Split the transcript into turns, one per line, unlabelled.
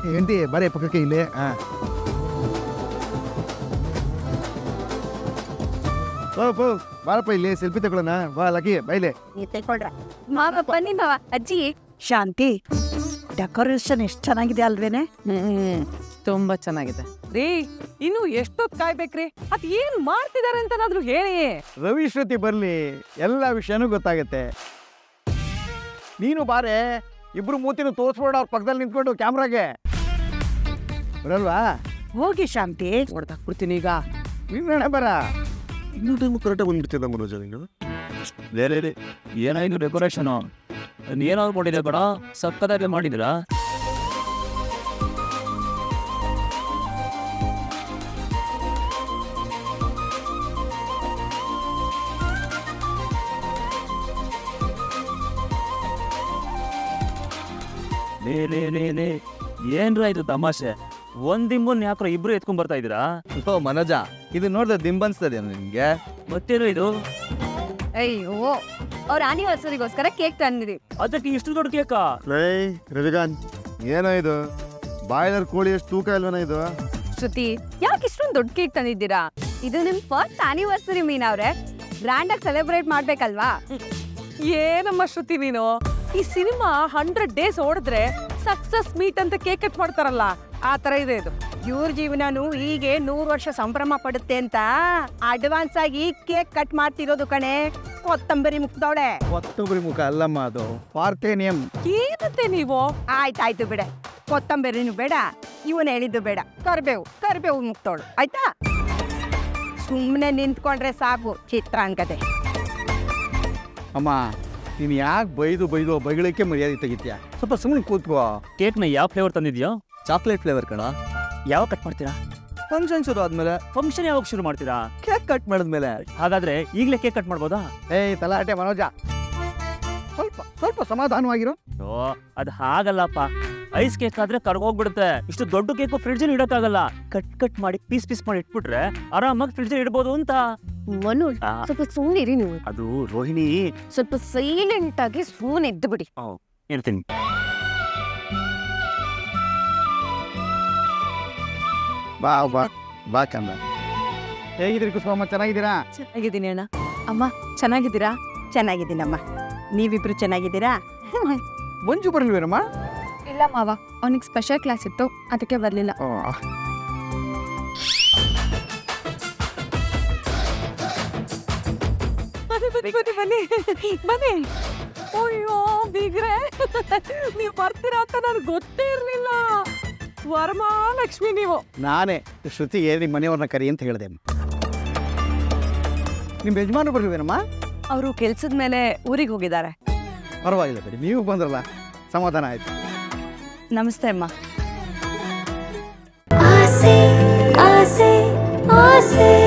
ಹೆಂಡತಿ ಬರೇ ಪಕ್ಕಕ್ಕೆ ಇಲ್ಲಿ. ಬಾರಪ್ಪ ಇಲ್ಲಿ ಸೆಲ್ಫಿ ತಗೊಳ್ಳೋಣ. ಬಾ ಲಕ್ಕಿ ಬೈಲೆ
ತೆಕೊಳ್ರ ಮಾವ ಬನ್ನಿ ಮಾವ. ಅಜ್ಜಿ
ಶಾಂತಿ, ಡೆಕೋರೇಷನ್ ಎಷ್ಟು ಚೆನ್ನಾಗಿದೆ ಅಲ್ವೇನೆ?
ತುಂಬಾ ಚೆನ್ನಾಗಿದೆ ರೀ. ಇನ್ನು ಎಷ್ಟೊತ್ತು ಕಾಯ್ಬೇಕ್ರಿ? ಅದ್ ಏನ್ ಮಾಡ್ತಿದಾರೆ ಅಂತನಾದ್ರೂ ಹೇಳಿ.
ರವಿ ಶ್ರುತಿ ಬರ್ಲಿ, ಎಲ್ಲ ವಿಷಯನೂ ಗೊತ್ತಾಗತ್ತೆ. ನೀನು ಬಾರೆ, ಇಬ್ರು ಮೂತಿನ ತೋರಿಸ್ಬೇಡ ಅವ್ರ ಪಕ್ಕದಲ್ಲಿ ನಿಂತ್ಕೊಂಡು ಕ್ಯಾಮ್ರಾಗೆ. ಬರಲ್ವಾ?
ಹೋಗಿ ಶಾಂತಿ.
ಹೊಡ್ದಾಕ್ಬಿಡ್ತೀನಿ ಈಗ.
ನೀನು ಬರ.
ಇನ್ನೂ ಟೈಮು ಕರೆಕ್ಟಾಗಿ ಬಂದ್ಬಿಡ್ತಿದ್ದ ಮನೋಜ ನೀನು.
ಬೇರೆ ಏನಾಯ್ತು ಡೆಕೋರೇಷನು? ಏನಾದ್ರು ಮಾಡಿದೆ ಬೇಡ, ಸಕ್ಕದಾಗೆ ಮಾಡಿದಿರಾ? ಲೇ ಏನ್ರ ಇದು ತಮಾಷೆ? ಒಂದಿಂಬನ್ ಯಾಕ್ರ ಇಬ್ರು ಎತ್ಕೊಂಡ್ ಬರ್ತಾ ಇದೀರಾ?
ಓ ಮನೋಜ, ಇದು ನೋಡಿದ್ರೆ ದಿಂಬನ್ಸ್ತದೆ ನಿನ್ಗೆ?
ಮತ್ತೇನು ಇದು?
ಅಯ್ಯೋ, ಅವ್ರ ಆನಿವರ್ಸರಿಗೋಸ್ಕರ ಕೇಕ್ ತಂದಿರಿ.
ಅದಕ್ಕೆ ಇಷ್ಟು ದೊಡ್ಡ ಕೇಕಾ?
ರವಿಕಾಂತ್,
ಏನೋ ಇದು ಬಾಯ್ಲರ್ ಕೋಳಿ ಎಷ್ಟು ತೂಕ ಇಲ್ವನ ಇದು?
ಶ್ರುತಿ, ಯಾಕೆ ಇಷ್ಟೊಂದು ದೊಡ್ಡ ಕೇಕ್ ತಂದಿದ್ದೀರಾ? ಇದು ನಿಮ್ ಫಸ್ಟ್ ಆನಿವರ್ಸರಿ ಮೀನಾ ಅವ್ರೆ, ಗ್ರ್ಯಾಂಡ್ ಆಗಿ ಸೆಲೆಬ್ರೇಟ್ ಮಾಡ್ಬೇಕಲ್ವಾ?
ಏನಮ್ಮ ಶ್ರುತಿ ನೀನು? ಈ ಸಿನಿಮಾ 100 days ಓಡಿದ್ರೆ ಸಕ್ಸಸ್ ಮೀಟ್ ಅಂತ ಕೇಕ್ ಕಟ್ ಮಾಡ್ತಾರಲ್ಲ, ಆ ತರ ಇದೆ ಇದು.
ಇವ್ರ ಜೀವನನು ಹೀಗೆ 100 ವರ್ಷ ಸಂಭ್ರಮ ಪಡುತ್ತೆ ಅಂತ ಅಡ್ವಾನ್ಸ್ ಆಗಿ ಕೇಕ್ ಕಟ್ ಮಾಡ್ತಿರೋದು ಕಣೆ. ಕೊತ್ತಂಬರಿ ಮುಗ್ದವಳೆ.
ಕೊತ್ತಂಬರಿ ಮುಖ ಅಲ್ಲಮ್ಮ, ಅದು ಪಾರ್ಥೇನಿಯಂ.
ಏನಂತೆ ನೀವು?
ಆಯ್ತಾಯ್ತು ಬಿಡೆ, ಕೊತ್ತಂಬರಿನೂ ಬೇಡ, ಇವನ್ ಹೇಳಿದ್ದು ಬೇಡ. ಕರ್ಬೇವು ಮುಗ್ದವಳು ಆಯ್ತಾ? ಸುಮ್ಮನೆ ನಿಂತ್ಕೊಂಡ್ರೆ ಸಾಕು ಚಿತ್ರಾಂಗದೆ.
ಅಮ್ಮ, ನೀನು ಯಾಕೆ ಬೈದು ಬೈಗಳಕ್ಕೆ ಮರ್ಯಾದೆ ತೆಗಿತೀಯ? ಸ್ವಲ್ಪ ಸುಮ್ಮನೆ ಕೂತ್ಕೋ.
ಕೇಕ್ನ ಯಾವ ಫ್ಲೇವರ್ ತಂದಿದ್ಯೋ?
ಚಾಕ್ಲೇಟ್ ಫ್ಲೇವರ್ ಕಣ.
ಯಾವಾಗ ಕಟ್ ಮಾಡ್ತೀರಾ?
ಫಂಕ್ಷನ್ ಶುರು ಆದ್ಮೇಲೆ.
ಫಂಕ್ಷನ್ ಯಾವಾಗ ಶುರು ಮಾಡ್ತೀರಾ?
ಕೇಕ್ ಕಟ್ ಮಾಡಿದ್ಮೇಲೆ.
ಹಾಗಾದ್ರೆ ಈಗಲೇ ಕೇಕ್ ಕಟ್ ಮಾಡ್ಬೋದಾ?
ಏಯ್ ತಲಾಟೆ ಮನೋಜ, ಸ್ವಲ್ಪ ಸಮಾಧಾನವಾಗಿರೋ.
ಓ, ಅದ್ ಹಾಗಲ್ಲಪ್ಪ. ಐಸ್ ಕೇಕ್ ಆದ್ರೆ ಕರ್ಗೋಗ್ಬಿಡುತ್ತೆ. ಇಷ್ಟು ದೊಡ್ಡ ಕೇಕ್ ಫ್ರಿಡ್ಜ್ ಇಡಕ್ಕಾಗಲ್ಲ. ಕಟ್ ಮಾಡಿ ಪೀಸ್ ಮಾಡಿ ಇಟ್ಬಿಟ್ರೆ ಆರಾಮಾಗಿ ಫ್ರಿಡ್ಜ್ ಇಡ್ಬೋದು ಅಂತ.
ಮನು, ಸ್ವಲ್ಪ ಸುಮ್ಮನಿರಿ ನೀವು.
ಅದು ರೋಹಿಣಿ,
ಸ್ವಲ್ಪ ಸೈಲೆಂಟ್ ಆಗಿ ಸುಮ್ಮನೆ ಇದ್ದು ಬಿಡಿ.
ಇರ್ತೀನಿ.
ಬಾ ಬಾ ಬಾ ಕಂದ. ಹೇಗಿದ್ದೀರಿ ಕುಸುಮಮ್ಮ? ಚೆನ್ನಾಗಿದ್ದೀರಾ?
ಚೆನ್ನಾಗಿದ್ದೀನಿ ಅಣ್ಣ. ಅಮ್ಮ ಚೆನ್ನಾಗಿದ್ದೀರಾ?
ಚೆನ್ನಾಗಿದ್ದೀನಮ್ಮ. ನೀವಿಬ್ರು ಚೆನ್ನಾಗಿದ್ದೀರಾ?
ಮಂಜು ಬರಲ್ವೇನಮ್ಮ?
ಇಲ್ಲ ಮಾವ, ಅವನಿಗೆ ಸ್ಪೆಷಲ್ ಕ್ಲಾಸ್ ಇತ್ತು, ಅದಕ್ಕೆ ಬರಲಿಲ್ಲ.
ಬನ್ನಿ. ಅಯ್ಯೋ ಬೀಗ್ರೆ, ನೀವು ಬರ್ತೀರಾ ಅಂತ ನನಗೆ ಗೊತ್ತೇ ಇರಲಿಲ್ಲ. ವರಮಹಾಲಕ್ಷ್ಮಿ ನೀವು.
ನಾನೇ ಶ್ರುತಿಗೆ ನಿಮ್ಮ ಮನೆಯವ್ರನ್ನ ಕರಿ ಅಂತ ಹೇಳಿದೆ. ನಿಮ್ಮ ಯಜಮಾನರು ಬರಲ್ವೇನಮ್ಮ?
ಅವರು ಕೆಲ್ಸದ ಮೇಲೆ ಊರಿಗೆ ಹೋಗಿದ್ದಾರೆ.
ಪರವಾಗಿಲ್ಲ ಬಿಡಿ, ನೀವು ಬಂದ್ರಲ್ಲ, ಸಮಾಧಾನ ಆಯ್ತು.
ನಮಸ್ತೆ ಅಮ್ಮ.
ಆಸೆ ಆಸೆ ಆಸೆ